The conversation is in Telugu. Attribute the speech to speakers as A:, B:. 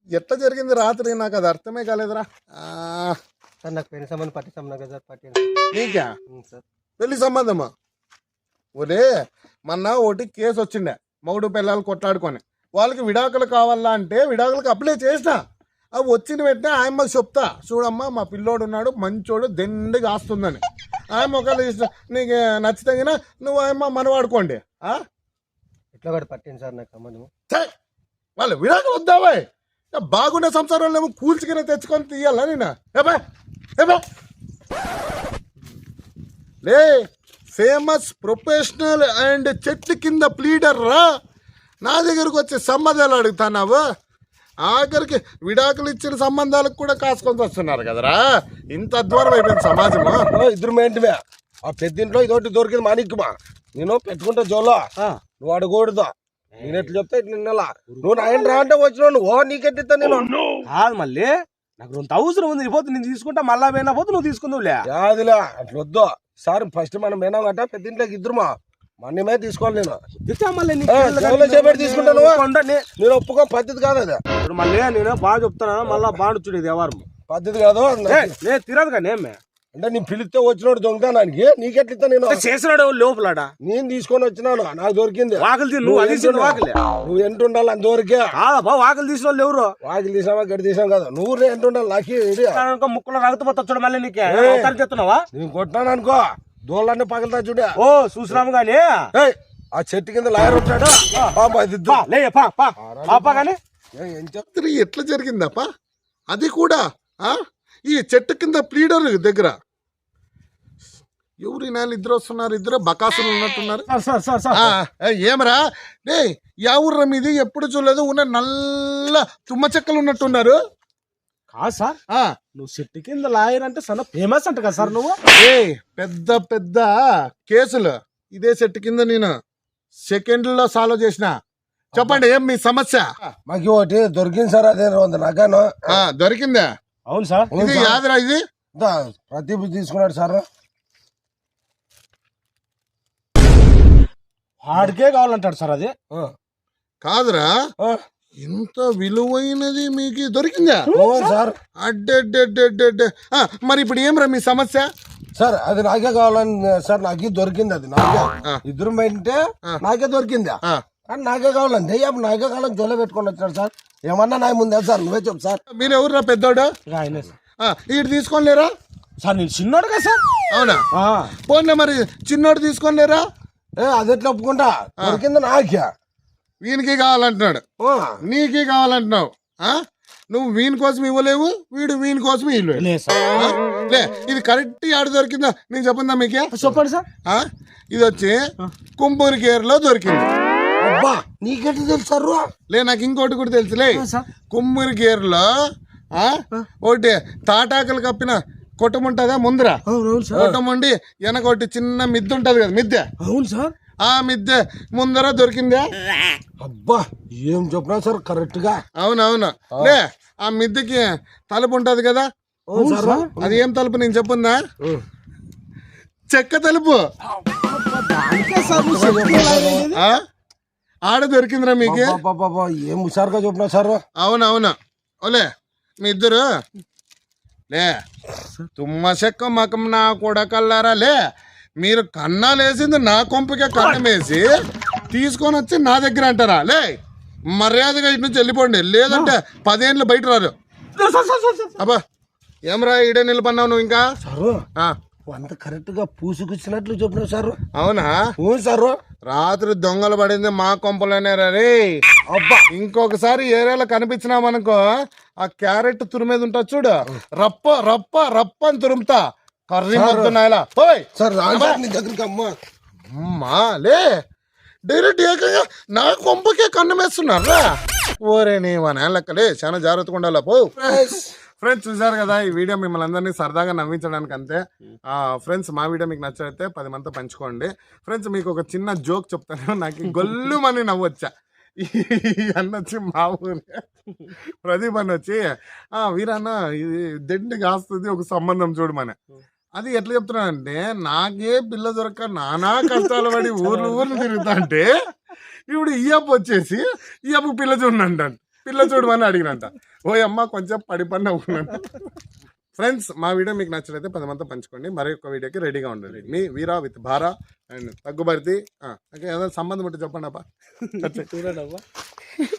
A: ఎట్లా జరిగింది రాత్రి నాకు అది అర్థమే కాలేదురా.
B: సార్ నాకు పెళ్లి సంబంధం పట్టిస్తాం సార్ పట్టి
A: నీకా
B: సార్
A: పెళ్లి సంబంధమా? ఒరే మొన్న ఒకటి కేసు వచ్చిండే, మగుడు పిల్లలు కొట్లాడుకొని వాళ్ళకి విడాకులు కావాలా అంటే విడాకులకు అప్లై చేసిన. అవి వచ్చిన వెంటనే ఆయమ్మకి చెప్తా, చూడమ్మా మా పిల్లోడు ఉన్నాడు మంచోడు దెండిగా ఆస్తుందని. ఆయమ్మ ఒకవేళ ఇష్టం నీకు నచ్చితే నువ్వు ఆయమ్మ మనవాడుకోండి.
B: ఎట్లా కూడా పట్టింది సార్ నాకు సంబంధం.
A: వాళ్ళు విడాకులు వద్దావా? బాగుండే సంసారంలో ఏమో కూల్చుకునే తెచ్చుకొని తీయాలా నేను? లే ఫేమస్ ప్రొఫెషనల్ అండ్ చెట్టు కింద ప్లీడర్ రా, నా దగ్గరకు వచ్చి సంబంధాలు అడుగుతున్నావు. ఆఖరికి విడాకులు ఇచ్చిన సంబంధాలకు కూడా కాసుకొని వస్తున్నారు కదరా. ఇంత దూరం అయిపోయింది సమాజము.
C: ఇద్దరు ఏంటివే ఆ పెద్దింట్లో ఇదొకటి దొరికింది మానిక్కుమా, నేను పెట్టుకుంటా జోలో నువ్వు అడగకూడదు. నేను ఎట్లా చెప్తా ఇట్లా నిన్నలా నువ్వు ఆయన రా అంటే వచ్చినావు నువ్వు నీకెట్టిస్తా నేను
D: కాదు. మళ్ళీ నాకు 2000 ఉంది పోతే నేను తీసుకుంటా, మళ్ళా పోయినా పోతే నువ్వు తీసుకుందావులే.
C: యాదిలే అట్లా వద్దు సార్. ఫస్ట్ మనం పోయినాం గట్ట పెద్దింట్లోకి ఇద్దరుమా మన్నమే తీసుకోవాలి. నేను చేపట్టి తీసుకుంటాను, నేను ఒప్పుకో పద్ధతి కాదు అది.
D: ఇప్పుడు మళ్ళీ నేను బాగా చెప్తాను, మళ్ళా బాగా చూడు ఇది ఎవరు
C: పద్ధతి కాదు.
D: నేను తిరదు కానీ ఏమే
C: అంటే నీ పిలిస్తే వచ్చినోడు దొంగతానికి నీకెట్లిస్తా నేను
D: చేసినాడు లోపల
C: నేను తీసుకొని వచ్చినాను, నాకు దొరికింది.
D: వాకిలి నువ్వు అది వాకిలే
C: నువ్వు ఎంత ఉండాలి అంతవరకే.
D: వాకిలి తీసిన వాళ్ళు ఎవరు?
C: వాకిలి తీసావా గడి తీసాం కదా, నువ్వు ఎంత ఉండాలి నాకు
D: ముక్కులో రగతపోతా మళ్ళీ నీకు చెప్తున్నావా?
C: నేను కొట్టినాను అనుకో దోళ్ళన్నీ పగలుతా చూడే.
D: ఓ చూసినాము గానీ
C: ఆ చెట్టు కింద లాయర్ వచ్చాడు
A: ఎట్లా జరిగిందప్ప అది కూడా? ఈ చెట్టు కింద ప్లీడర్ దగ్గర ఎవరు నాలు ఇద్దరు వస్తున్నారు, ఇద్దరు బకాసులు ఉన్నట్టున్నారు. ఏమరా రే ఎవరు మీది ఎప్పుడు చూడలేదు, ఉన్న నల్ల తుమ్మ చెక్కలు ఉన్నట్టున్నారు.
D: కాదు సార్, నువ్వు చెట్టు కింద లాయర్ అంటే చాలా ఫేమస్ అంట కదా సార్ నువ్వు.
A: పెద్ద పెద్ద కేసులు ఇదే చెట్టు కింద నేను సెకండ్లో సాల్వ్ చేసిన. చెప్పండి ఏం మీ సమస్య?
C: మాకు ఒకటి దొరికింది సార్, అదే నగాను
A: దొరికిందా?
D: అవును సార్.
A: ఇది యాదరా? ఇది
C: ప్రదీప్ తీసుకున్నాడు సార్.
D: వాడికే కావాలంటాడు సార్. అది
A: కాదురా, ఇంత విలువైనది మీకు దొరికిందా
C: సార్?
A: అడ్డే మరి ఇప్పుడు ఏమరా మీ సమస్య?
C: సార్ అది నాకే కావాలని సార్, నాకే దొరికింది. అది నాకే ఇద్దరు బయటే నాకే దొరికింది, కానీ నాకే కావాలండి. నాకే కావాలని జోలో పెట్టుకొని వచ్చాడు సార్. ఏమన్నా నా ముందే సార్, నువ్వే చెప్పు సార్.
A: మీరు ఎవరురా పెద్దోడు? ఇటు తీసుకోలేరా
D: సార్? నేను చిన్నోడు కదా సార్.
A: అవునా? పోన్లే మరి చిన్నోడు తీసుకోలేరా?
C: అది ఎట్లా ఒప్పుకుంటా? దొరికింది నాకే.
A: వీనికి కావాలంటున్నాడు, నీకే కావాలంటున్నావు. నువ్వు వీని కోసం ఇవ్వలేవు, వీడు వీని కోసం ఇవ్వలేవు. లే ఇది కరెక్ట్ ఆడ దొరికిందా నేను చెప్పిందా మీకే?
D: చెప్పండి సార్.
A: ఇది వచ్చి కుంపూరి కేర్లో దొరికింది.
C: అబ్బా నీకెట్లా తెలుసు?
A: లే నాకు ఇంకోటి కూడా తెలుసులే. కుమ్మూరి కేర్లో ఒకటి తాటాకులు కప్పిన కొట్టం ఉంటుందా ముందర, కొట్టం ఉండి వెనకొట్టి చిన్న మిద్దె ఉంటది కదా, మిద్దె.
D: అవును సార్.
A: ఆ మిద్దె ముందర దొరికిందా?
C: అబ్బా ఏం చెప్పినా సార్ కరెక్ట్ గా.
A: అవునవును. లే ఆ మిద్దెకి తలుపు ఉంటది కదా, అది ఏం తలుపు నేను చెప్పుందా? చెక్క తలుపు. ఆడ దొరికిందిరా మీకు.
C: ఏం హుషారుగా చెప్పినా సార్.
A: అవునవును. ఓలే మీ ఇద్దరు లే తుమ్మ చెక్క మకం నా కూడా కల్లారా. లే మీరు కన్నాలేసింది నా కొంపకే కన్నమేసి తీసుకొని వచ్చి నా దగ్గర అంటారా? లే మర్యాదగా ఇటు నుంచి వెళ్ళిపోండి, లేదంటే 10 ఏళ్ళు బయట రారు. అబ్బా ఏమరా ఈడే నిలబడినావు నువ్వు ఇంకా?
C: అంత కరెక్ట్ గా పూసుకొచ్చినట్లు చెప్పినావు సార్.
A: అవునా?
C: సార్
A: రాత్రి దొంగలు పడింది మా కొంపలోనే రే. అబ్బా ఇంకొకసారి ఏరియాలో కనిపించినామనుకో ఆ క్యారెట్ తురిమేది ఉంటుంది చూడు, రప్ప రప్ప రప్ప అని తురుముతా. కర్రీ మొత్తున్నాయిలా
C: దగ్గరికి
A: అమ్మా లే డైరెక్ట్ ఏకంగా నా కొంపకే కన్నమేస్తున్నారా? ఓరే నీ లెక్కలే చాలా జాగ్రత్తగా ఉండాలా. పో ఫ్రెండ్స్ చూసారు కదా ఈ వీడియో, మిమ్మల్ని అందరినీ సరదాగా నవ్వించడానికి అంతే. ఫ్రెండ్స్ మా వీడియో మీకు నచ్చైతే 10 మందితో పంచుకోండి. ఫ్రెండ్స్ మీకు ఒక చిన్న జోక్ చెప్తాను, నాకు గొల్లు మని నవ్వొచ్చా. అన్న వచ్చి మా ఊరి ప్రదీప్ అన్న వచ్చి వీరన్న ఇది దెండి కాస్తుంది ఒక సంబంధం చూడమని. అది ఎట్లా చెప్తున్నానంటే, నాకే పిల్ల దొరక నానా కష్టాలు పడి ఊర్లు తిరుగుతా అంటే ఇప్పుడు ఈ అప్పు వచ్చేసి ఈ అప్పు పిల్ల చూడండి అంటాను. పిల్ల చూడమని అడిగినంట. ఓ అమ్మ కొంచెం పడిపడి నవ్వుకున్నాను. ఫ్రెండ్స్, మా వీడియో మీకు నచ్చినట్లయితే 10 మందితో పంచుకోండి. మరి ఒక వీడియోకి రెడీగా ఉండండి. మీ వీరా విత్ భారా అండ్ తగ్గుబడితే. ఏదైనా సంబంధం ఉంటే చెప్పండి అబ్బా.
D: చూడండి అబ్బా.